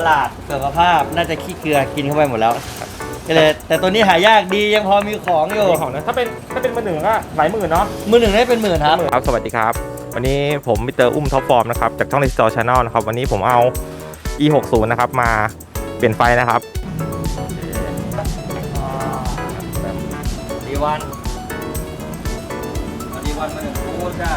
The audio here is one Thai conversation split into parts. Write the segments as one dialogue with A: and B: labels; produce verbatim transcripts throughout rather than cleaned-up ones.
A: ลาดสุขภาพน่าจะขี้เกลือกินเข้าไปหมดแล้วก็เลยแต่ตัวนี้หายากดียังพอมีของอยู่
B: มีของนะถ้าเป็นถ้าเป็นมือหนึ่งก็หลายหมื่นเนาะ
A: มือหนึ่งได้เป็นหมื่นครับ
B: ครับสวัสดีครับวันนี้ผมมิสเตอร์อุ้มท็อปฟอร์มนะครับจากช่อง Restore Channel นะครับวันนี้ผมเอา อี หกสิบ นะครับมาเปลี่ยนไฟนะครับ
A: ดีวันดีวันมาหนึ่งคู่จ้า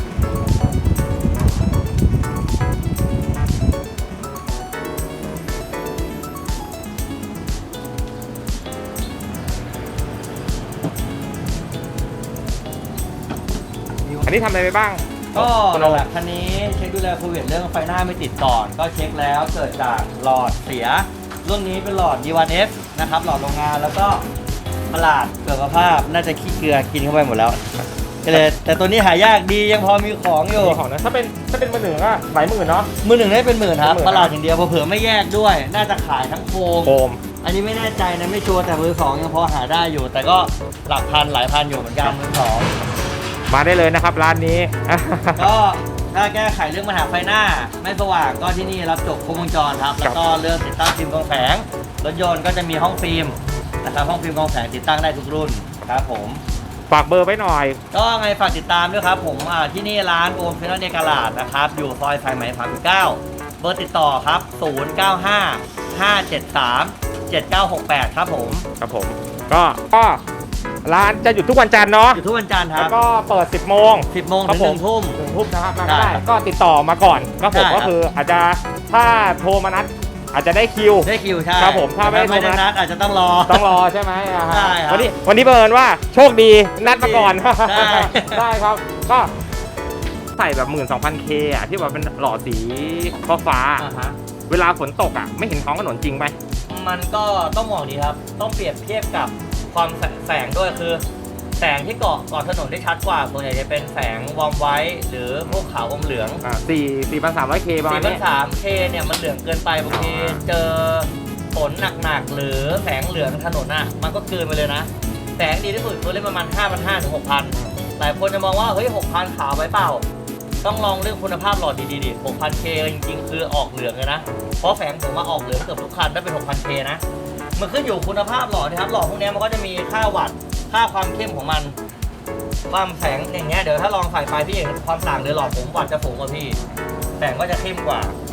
B: อันนี้ทำอะไรไปบ้าง
A: ก็หลักคันนี้เช็คดูแลโควิดเรื่องไฟหน้าไม่ติดก่อนก็เช็คแล้วเกิดจากหลอดเสียรุ่นนี้เป็นหลอด ดี วัน เอฟ นะครับหลอดโรงงานแล้วก็ประหลาดเกิดสภาพน่าจะขี้เกลือกินเข้าไปหมดแล้วก็เลยแต่ตัวนี้หายากดียังพอมีของอยู่
B: มีของนะถ้าเป็นถ้าเป็นมือหนึ่งก็หลายหมื่นเนาะ
A: มือหนึ่งได้เป็นหมื่นครับ
B: เป็นหมื่น
A: ประหลาดอย่างเดียวเผื่อๆไม่แยกด้วยน่าจะขายทั้งโฟม
B: โฟม
A: อันนี้ไม่แน่ใจนะไม่ชัวร์แต่มือสองยังพอหาได้อยู่ แต่ก็หลักพันหลายพันอยู่เหมือนกันมือสอง
B: มาได้เลยนะครับร้านนี้
A: ก็ถ้าแก้ไขเรื่องปัญหาไฟหน้าไม่สว่างก็ที่นี่รับจบครบวงจรครับแล้วก็เรื่องติดตั้งฟิล์มกรองแสงรถยนต์ก็จะมีห้องฟิล์มนะครับห้องฟิล์มกรองแสงติดตั้งได้ทุกรุ่นครับผม
B: ฝากเบอร์ไว้หน่อย
A: ก็ไงฝากติดตามด้วยครับผมอ่าที่นี่ร้านโอมเฟนเนกาลาดนะครับอยู่ซอยสายไหมสามสิบเก้าเบอร์ติดต่อครับศูนย์ เก้า ห้า ห้า เจ็ด สาม เจ็ด เก้า หก แปดครับผม
B: ครับผมก็ก็ร้านจะหยุดทุกวันจันทร์เนาะ
A: อยู่ทุกวันจันทร์ค
B: แล้
A: รับ
B: วก็เปิด สิบโมง
A: สิบโมง
B: ครั
A: ถึ
B: บ
A: ง
B: ผ
A: ห
B: ม
A: นึ่งทุ่ม
B: หนึ่งทุ่มนะครับมา
A: ได้
B: ได้ก็ติดต่อมาก่อนก็ผม
A: ได้ครับ
B: ก็คืออาจจะถ้าโทรมานัดอาจจะได้คิว
A: ได้คิวใช่
B: ครับผมถ้าไม่
A: ไม่ได้
B: โทรนั
A: นั
B: ด
A: ดอาจจะต้องรอ
B: ต้องรอใช่ไหมอ่าฮะ
A: ใช่ครับ
B: วันนี้วันนี้เบิร์นว่าโชคดีนัดมาก่อน
A: ได้
B: ได้ครับก็ใส่แบบหมื่นสองพันเคอ่ะที่แบบเป็นหล่อสีฟ้าฟ้าๆ
A: อ่าฮะ
B: เวลาฝนตกอ่ะไม่เห็นท้องถนนจริงไหม
A: มันก็ต้องมองดีครับ ต้องเปรียบเทียบกับความแสแสงด้วยคือ แสงที่เกาะเกาะถนนได้ชัดกว่าส่วนใหญ่จะเป็นแสงวอร์มไว้หรือพวกขาวอมเหลือง
B: อ่าสี่สี่พันสามร้อยเคประมาณ
A: สี่พัน
B: นี้
A: สามเคเนี่ยมันเหลืองเกินไปบางทีเจอฝนหนักๆหรือแสงเหลืองถนนอ่ะมันก็เกินไปเลยนะ แสงดีที่สุดตัวเล่นประมาณ ห้าพันห้าร้อย ถึง หกพัน หลายคนจะมองว่าเฮ้ย หกพัน ขาวไปเปล่า ต้องลองเรื่องคุณภาพหลอดดีๆดิ หกพันเค จริงๆ คือออกเหลืองเลยนะ เพราะแสงผมมาออกเหลืองเกือบทุกคันถ้าเป็น หกพันเค นะ มันขึ้นอยู่คุณภาพหลอดนะครับ หลอดพวกนี้มันก็จะมีค่าวัตต์ค่าความเข้มของมันความแสงอย่างเงี้ยเดี๋ยวถ้าลองใส่ไฟพี่เห็นความต่างเลยหลอดผมวัตต์จะสูงกว่าพี่แสงก็จะเข้มกว่า